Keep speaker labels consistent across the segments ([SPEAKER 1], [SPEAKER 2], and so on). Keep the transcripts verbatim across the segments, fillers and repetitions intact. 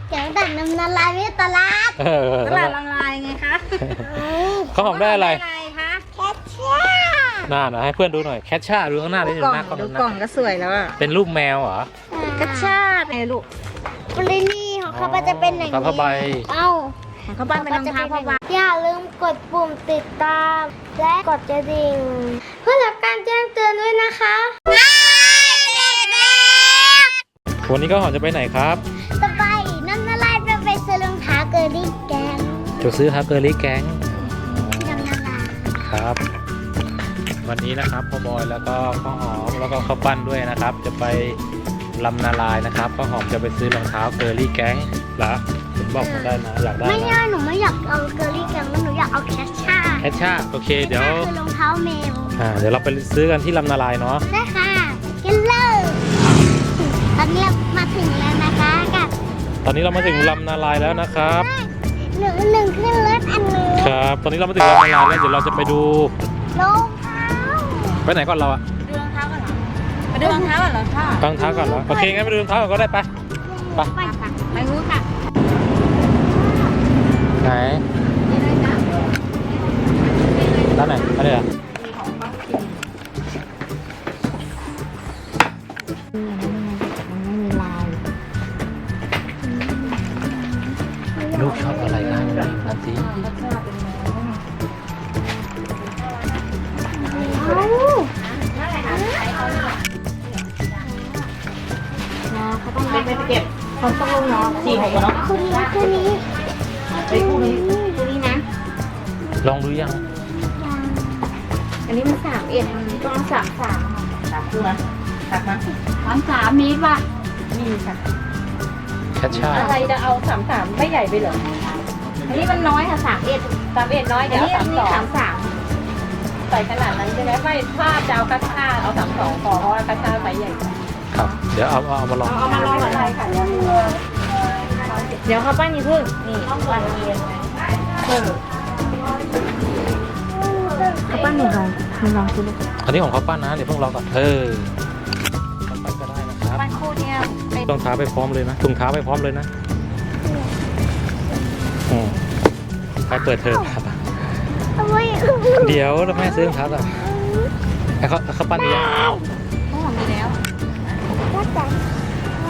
[SPEAKER 1] แกงดักน้ำละลายไม่ตลาด
[SPEAKER 2] เออ
[SPEAKER 3] ตลาดละลายไงคะ
[SPEAKER 2] ข้าวหอมได้อะไร
[SPEAKER 3] อะไรคะ
[SPEAKER 1] แคชเชียร์
[SPEAKER 2] หน้านะให้เพื่อนดูหน่อยแคชช่าดูข้างหน้าดิ
[SPEAKER 3] ดูกล่อง
[SPEAKER 2] หน้ากล้อง
[SPEAKER 3] ดู
[SPEAKER 2] ห
[SPEAKER 3] กล่อง
[SPEAKER 2] น้า
[SPEAKER 3] ก็สวยแล้วอะ
[SPEAKER 2] เป็นรูปแมวเหรอ
[SPEAKER 3] กระชาติไงลูก
[SPEAKER 1] ปรินี่ของเขาจะเป็นอย่าง
[SPEAKER 2] ผ้า
[SPEAKER 1] นี้
[SPEAKER 2] ผ้าใบ
[SPEAKER 1] เอ้า
[SPEAKER 3] ของเขาบ้านเป็นรองเท้าผ้าใบ
[SPEAKER 1] อย่าลืมกดปุ่มติดตาม และกดกระดิ่งเพื่อรับการแจ้งเตือนด้วยนะคะ
[SPEAKER 2] วันนี้ก็หอมจะไปไหนครับ
[SPEAKER 1] ต่อไปน้ำละลายไปไปซื้อรองเท้าเกอร์ลี่แกง
[SPEAKER 2] จะซื้อฮับเกอร์ลี่แก๊ง
[SPEAKER 1] น้ำละลาย
[SPEAKER 2] ครับ วันนี้นะครับพ่อบอยแล้วก็ข้าวหอมแล้วก็ข้าวปั้นด้วยนะครับ จะไปลำนาลายนะครับข้าวหอมจะไปซื้อรองเท้าเกอร์ลี่แก๊งเหรอผมบอกมาได้นะอยากได้
[SPEAKER 1] ไม่
[SPEAKER 2] นะ
[SPEAKER 1] ใช่หนูไม่อยากเอาเกอร์ลี่แกงหนูอยากเอาแคชช่า
[SPEAKER 2] แคชช่าโอเคเดี๋ยว
[SPEAKER 1] คือรองเท้าแมว
[SPEAKER 2] อ่าเดี๋ยวเราไปซื้อกันที่ลำนาลายเนาะ
[SPEAKER 1] ได้ค่ะกันเลยตอนนี้เรามาถึงแล้วนะคะกับ
[SPEAKER 2] ตอนนี้เรามาถึงลำนาลายแล้วนะครับ
[SPEAKER 1] หนึ่งหนึ่งขึ้นรถอันนี้
[SPEAKER 2] ครับ ตอนนี้เรามาถึงลำนาลายแล้วเดี๋ยวเราจะไปดู
[SPEAKER 1] รองเท้า
[SPEAKER 2] ไปไหนก่อนเราอะ
[SPEAKER 3] ดูรองเท้าก่อนเหรอไปดูรองเท้าก่อนเหรอค่ะ
[SPEAKER 2] รองเท้าก่อนเหรอโอเคงั้นไปดูรองเท้าก่อนก็ได้ไป ไป
[SPEAKER 1] ไปค่ะ
[SPEAKER 3] ไปรู้ค่ะ
[SPEAKER 2] ไหน
[SPEAKER 3] นี่เลยจ้ะ
[SPEAKER 2] ด้านไหนอันนี้เหรอลูกชอบอะไรกันนั่นสิ
[SPEAKER 1] เอ้า
[SPEAKER 3] เขาต้องไปเก็บเขาต้องลงเนาะสี่หกเนาะ
[SPEAKER 1] คู่นี้คู่นี้
[SPEAKER 3] ไปคู่นี้คู่นี้นะ
[SPEAKER 2] ลองดูยัง
[SPEAKER 3] อันนี้มันสามเอ็ดมันต้องสามสามสามคู่นะสามนะสามสามมีป่ะมีค่ะ
[SPEAKER 2] แคชช่า
[SPEAKER 3] อะไรจะเอาสามสามไม่ใหญ่ไปเหรออันนี้มันน้อยค่ะสามเอ็ดสามเอ็ดน้อยเดี๋ยวสามสองสามสามใส่ขนาดนั้นใช่ไหมไม่ถ้าจะเอาคัชชาเอาสามสองพอเพราะว่าคัชชาไซส์ใหญ่
[SPEAKER 2] ครับ เดี๋ยวเอาเอาเอามาลอง
[SPEAKER 3] เอามาลองอะไรค่ะเดี๋ยวเดี๋ยวเขาปั้นนี่พึ่งนี่ปั้นเรียนเออเขาปั้นหนูลองหนูลองดูลูก
[SPEAKER 2] อันนี้ของเขาปั้นนะเดี๋ยวเพิ่งรอก่อนเออเขาปั้นก็ได้นะครับ
[SPEAKER 3] ปั้นคู่เนี่ยเป็น
[SPEAKER 2] รองเท้าไปพร้อมเลยนะถุงเท้าไปพร้อมเลยนะอืมไปเปิดเทอมครับ
[SPEAKER 1] ทำไม
[SPEAKER 2] เดี๋ยวแล้วแม่ซื้อรองเท้าก่อนไอ้เขาเขาปั้นดียัง
[SPEAKER 3] เขาหอมมีแล้ว
[SPEAKER 1] ก็แต่ไม่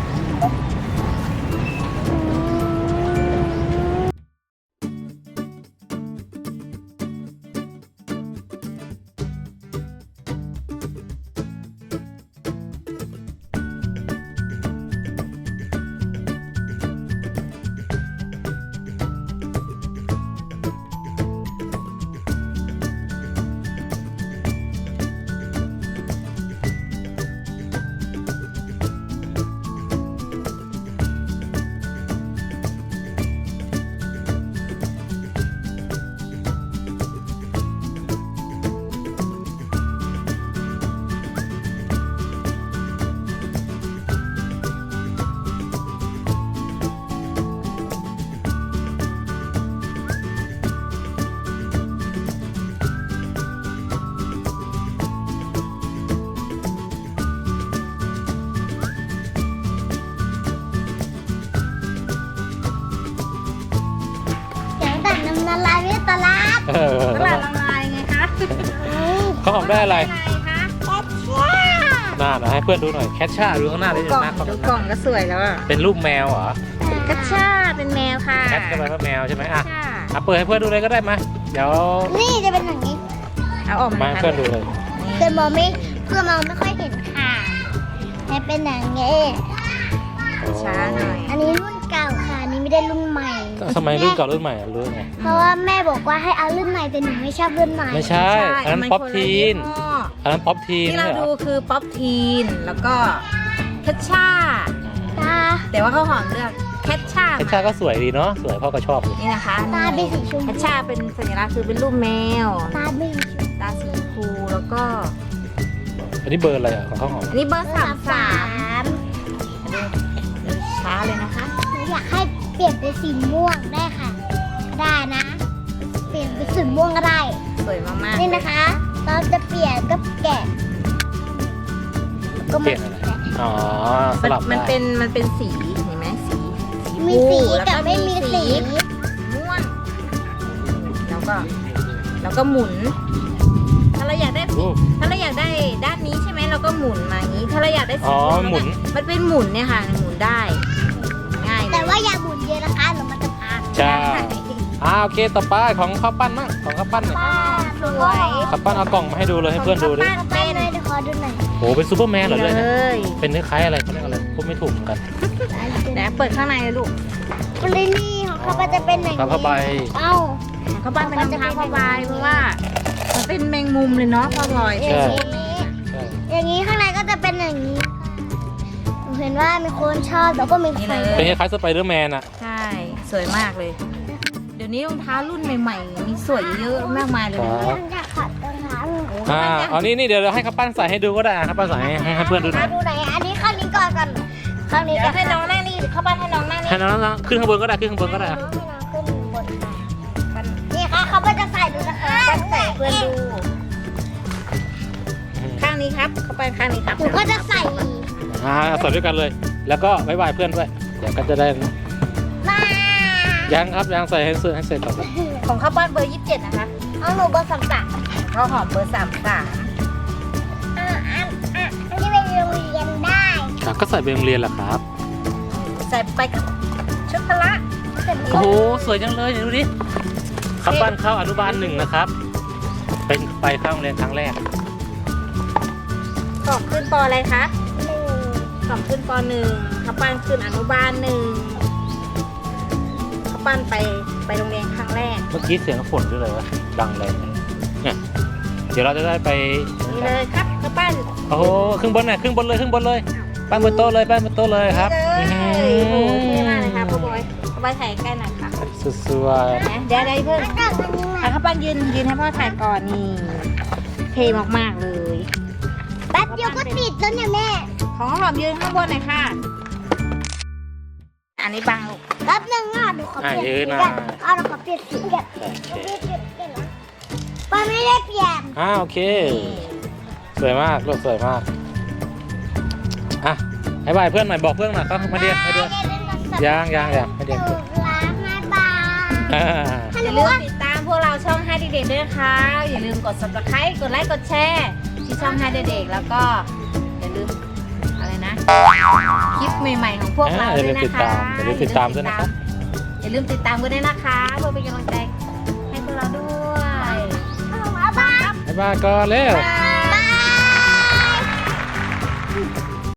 [SPEAKER 1] แกงดักน้ำละลายไม่ตลาด
[SPEAKER 2] เออ
[SPEAKER 3] ตลาดละลายไงคะ
[SPEAKER 2] เขาหอมได้อะไร
[SPEAKER 3] อะไรคะ
[SPEAKER 1] แคชเชียร์
[SPEAKER 2] หน้านะให้เพื่อนดูหน่อยแคชช่าดูข้างหน้าดิ
[SPEAKER 3] กล่อง
[SPEAKER 2] หน้ากล้อง
[SPEAKER 3] ดูกล่องก็สวยแล้วอะ
[SPEAKER 2] เป็นรูปแมวเหรอ
[SPEAKER 3] กระชาเป็นแมวค่ะ
[SPEAKER 2] แคทก็แปลว่าแมวใช่ไหมอ่ะ
[SPEAKER 3] ค่ะ
[SPEAKER 2] อ่ะเปิดให้เพื่อนดูเลยก็ได้มาเดี๋ยว
[SPEAKER 1] นี่จะเป็นอย่างนี้
[SPEAKER 3] เอาออก
[SPEAKER 2] มา
[SPEAKER 3] มา
[SPEAKER 2] ให้เพื่อนดูเลย
[SPEAKER 1] เพื่อนมองไม่เพื่อนมองไม่ค่อยเห็นค่ะให้เป็นอย่างนี้
[SPEAKER 3] ช้าหน่อย
[SPEAKER 1] อันนี้รุ่นเก่าค่ะอันนี้ไม่ได้รุ่นใหม่
[SPEAKER 2] ทำไมรุ่นเก่ารุ่นใหม่อ่ะรู้ไง
[SPEAKER 1] เพราะว่าแม่บอกว่าให้เอารุ่นใหม่แต่หนูไม่ชอบรุ่นใหม่
[SPEAKER 2] ไม่ใช่อันนั้น
[SPEAKER 3] มั
[SPEAKER 2] ป๊อป
[SPEAKER 3] คละ
[SPEAKER 2] ทีน
[SPEAKER 3] ยี่ห้อ
[SPEAKER 2] อันนั้นป๊อปทีน
[SPEAKER 3] ที่เรา
[SPEAKER 2] ไม่ใช่เหร
[SPEAKER 3] ดู
[SPEAKER 2] อ
[SPEAKER 3] คือป๊อปทีนแล้วก็แคชชา
[SPEAKER 1] ตา
[SPEAKER 3] แต่ว่าเขาหอมเลือกแคชชา
[SPEAKER 2] แคชช่าก็สวยดีเนาะสวยพ่อก็ชอบอยู่
[SPEAKER 3] นี่นะคะ
[SPEAKER 1] ตาเป็นสีชม
[SPEAKER 3] แค
[SPEAKER 1] พู
[SPEAKER 3] ชชาเป็นสัญลักษณ์คือเป็นรูปแมว
[SPEAKER 1] ตาเป็นสีชม
[SPEAKER 3] ตาสีชมพูแล้วก็
[SPEAKER 2] อันนี้เบอร์อะไรอ่ะของเขาหอม
[SPEAKER 3] อันนี้เบอร์
[SPEAKER 1] พู
[SPEAKER 3] สามสาม
[SPEAKER 1] ม
[SPEAKER 3] ดูช้าเลยนะคะ
[SPEAKER 1] หนูอยากให้เปลี่ยนเป็นสีม่วงได้ค่ะ ได้นะ เปลี่ยนเป็นสีม่วงก็ได้
[SPEAKER 3] สวยมากๆ
[SPEAKER 1] นี่นะคะเราจะเปลี่ยนก็แกะก็
[SPEAKER 2] เปลี่ยนอะไร อ๋อส
[SPEAKER 3] มัน
[SPEAKER 2] ลับ
[SPEAKER 3] มัน
[SPEAKER 2] ได้
[SPEAKER 3] เป็นมันเป็นสีเห็นไหมสีสี
[SPEAKER 1] มีมีสี
[SPEAKER 3] แล้ว
[SPEAKER 1] กับ
[SPEAKER 3] ก็
[SPEAKER 1] ไม่มีสี
[SPEAKER 3] ม่วงแล้วก็แล้วก็หมุน ถ้าเราอยากได้
[SPEAKER 2] โอ้
[SPEAKER 3] ถ้าเราอยากได้ด้านนี้ใช่ไหมเราก็หมุนมาอย่างนี้ ถ้าเราอยากได้สี
[SPEAKER 2] อ๋อ
[SPEAKER 3] ม่วง
[SPEAKER 2] หมุน
[SPEAKER 3] เยมันเป็นหมุนเนี่ยค่ะหมุนได้ง่ายเลย
[SPEAKER 1] แต่ว่าอย่าหมุนเยอะนะคะหรือมันจะพัง
[SPEAKER 2] ใช่อ่าโอเคต่อไปของข้าวปั้นมั่งของข้าวปั้นหน่อย
[SPEAKER 1] ป้า
[SPEAKER 3] สวย
[SPEAKER 2] ข้าวปั้นเอากล่องมาให้ดูเลยให้เพื่อนดูดิ
[SPEAKER 3] ของข้าวปั้น
[SPEAKER 1] เป็
[SPEAKER 3] เป็น น
[SPEAKER 1] เลยเดี๋ยวขอดูหน่อย
[SPEAKER 2] โหเป็นซูเปอร์แมนเหรอเลย
[SPEAKER 3] เล
[SPEAKER 2] เนี่ย
[SPEAKER 3] ย
[SPEAKER 2] เป็นคล้ายๆอะไรเขาเรียกอะไรพูดไม่ถูกเหมือนกัน
[SPEAKER 3] เดี๋ยวเปิดข้างในเลยลูก
[SPEAKER 1] กรีนี่ของเขาก็จะเป็นอย่าง
[SPEAKER 2] ผ้า
[SPEAKER 1] นี้
[SPEAKER 2] ผ้าใบ
[SPEAKER 1] เอ้า
[SPEAKER 3] ของข้าวปั้นเป็นรองเท้าผ้าใบเพราะว่ามันเป็นแมงมุมเลยเนาะพ่อพลอย
[SPEAKER 2] ใช่
[SPEAKER 1] อย่างนี้
[SPEAKER 2] ใช่
[SPEAKER 1] อย่างนี้ข้างในก็จะเป็นอย่างนี้หนูเห็นว่ามีคนชอบแล้วก็มีใคร
[SPEAKER 2] เป็นคล้ายๆสไปเดอร์แมนอะ
[SPEAKER 3] ใช่สวยมากเลย เดี๋ยวนี้รองเท้ารุ่นใหม่ๆมีสวยเยอะมากมายเลยนะ
[SPEAKER 1] ยังอยากขัดรองเท้าอยู่
[SPEAKER 2] อ่าเอานี่นี่เดี๋ยวเราให้ข้าวปั้นใส่ให้ดูก็ได้อ่ะข้าวปั้นใส่ให้ให้ให้เพื่อนดูหน่อย
[SPEAKER 1] ดูไหนอันนี้ข้างนี้ก่อนก่อนข้างนี้
[SPEAKER 3] เดี๋
[SPEAKER 1] ก็
[SPEAKER 3] ยวให้น้องนั่งนี่ข้าวปั้นให้น้องนั่งนี่
[SPEAKER 2] ให้น้องน้องขึ้นข้างบนก็ได้ขึ้นข้างบนก็ได้อ่ะ
[SPEAKER 1] ให้น้องขึ้นบนนี่ค่ะเขาก็จะใส่ดูนะคะ
[SPEAKER 3] ปั้นใส่เพื่อนดู ข้างนี้ครับข้าวปั้นข้างนี้ครับ
[SPEAKER 1] หนูก็จะใส่
[SPEAKER 2] อ่าใส่ด้วยกันเลย แล้วก็บ๊ายบายเพื่อนด้วยเดี๋ยวก็จะได้
[SPEAKER 1] มา
[SPEAKER 2] ยังครับยังใส่ให้เสร็จให้เสร็จก่อนครับ
[SPEAKER 3] ของข้าวปั้นเบอร์ยี่สิบเจ็ดนะคะ
[SPEAKER 1] เอาหนูเบอร์สามสาม
[SPEAKER 3] ข้าวหอมเบอร์สามสาม
[SPEAKER 1] อ่าอ่าอ่าอันนี้เป็นโรงเรียนได้
[SPEAKER 2] ครับก็ใส่ไปโรงเรียนแหละครับ
[SPEAKER 3] ใส่ไปกับชุดพละ
[SPEAKER 2] โอ้โหสวยจังเลยเดี๋ยวดูดิข้าวปั้นเข้าอนุบาลหนึ่งนะครับ เป็นไปเข้าโรงเรียนครั้งแรก
[SPEAKER 3] สอบขึ้นปออะไรคะ
[SPEAKER 1] หนึ่ง
[SPEAKER 3] สอบขึ้นปอหนึ่งข้าวปั้นขึ้นอนุบาลหนึ่งข้าวปั้นไปไปโรงเรียนครั้งแรก
[SPEAKER 2] เมื่อกี้เสียงฝนด้วยเลยวะดังเลยเนี่ยเดี๋ยวเราจะได้ไป
[SPEAKER 3] นี่เลยครับข้าวปั้น
[SPEAKER 2] โอ้โหขึ้นบนหน่อยขึ้นบนเลยขึ้นบนเลยปั้นบนโต๊ะเลยปั้นบนโต๊ะเลยครับ
[SPEAKER 3] นี่เลยโอ้โหเท่มากเลยค่ะพ่อบอยพ่อบอยถ่ายใกล้หน่อยค่ะ
[SPEAKER 2] สุดสวย
[SPEAKER 3] นะเดี๋ยวเดี๋ยวเพิ่ง
[SPEAKER 1] แล้วก็อันนี้มา
[SPEAKER 3] อ่ะข้าวปั้นยืนยืนให้พ่อถ่ายก่อนนี่เท่มากๆเลย
[SPEAKER 1] แป๊บเดียวก็ติดแล้วเนี่ยแม่
[SPEAKER 3] ของข้าวหอมยืนข้างบนหน่อยค่ะ อันนี้บังลูก
[SPEAKER 1] แป๊บนึงอ่ะหนูขอเปลี่ยนสีกันอ่ะหนูขอเปลี่ยนสีกัน
[SPEAKER 2] โอเค
[SPEAKER 1] เปลี่ยนสีกันนะป้าไม่ได้เปลี่ยน
[SPEAKER 2] อ่าโอเค สวยมากลูกสวยมากอ่ะให้บายเพื่อนหน่อยบอกเพื่อนหน่อยเขามาเรียนให้เรียนยังยังยังให้เรียน
[SPEAKER 1] ถูกล้างแม่บาย
[SPEAKER 2] อ่า
[SPEAKER 3] อย่าลืมติดตามพวกเราช่องให้เด็กๆด้วยนะคะ อย่าลืมกด ซับสไครบ์ กดไลค์ กดแชร์ที่ช่องให้เด็กๆแล้วก็อย่าลืมอะไรนะ คลิปใหม่ๆของพวกเรา
[SPEAKER 2] อย่า
[SPEAKER 3] ด้
[SPEAKER 2] ลื
[SPEAKER 3] วย
[SPEAKER 2] ม
[SPEAKER 3] นะ
[SPEAKER 2] ติด
[SPEAKER 3] คะ
[SPEAKER 2] ตามอย่าลืมติดตามด้วยนะครับ
[SPEAKER 3] อย่าลืมติดตามกันด้วยนะคะเพื่อเป็นกำลังใจให้พวกเราด้วย
[SPEAKER 1] เอามาบ้าน
[SPEAKER 2] บ๊ายบายก่อนเร็ว
[SPEAKER 3] บ๊ายบาย
[SPEAKER 1] บาย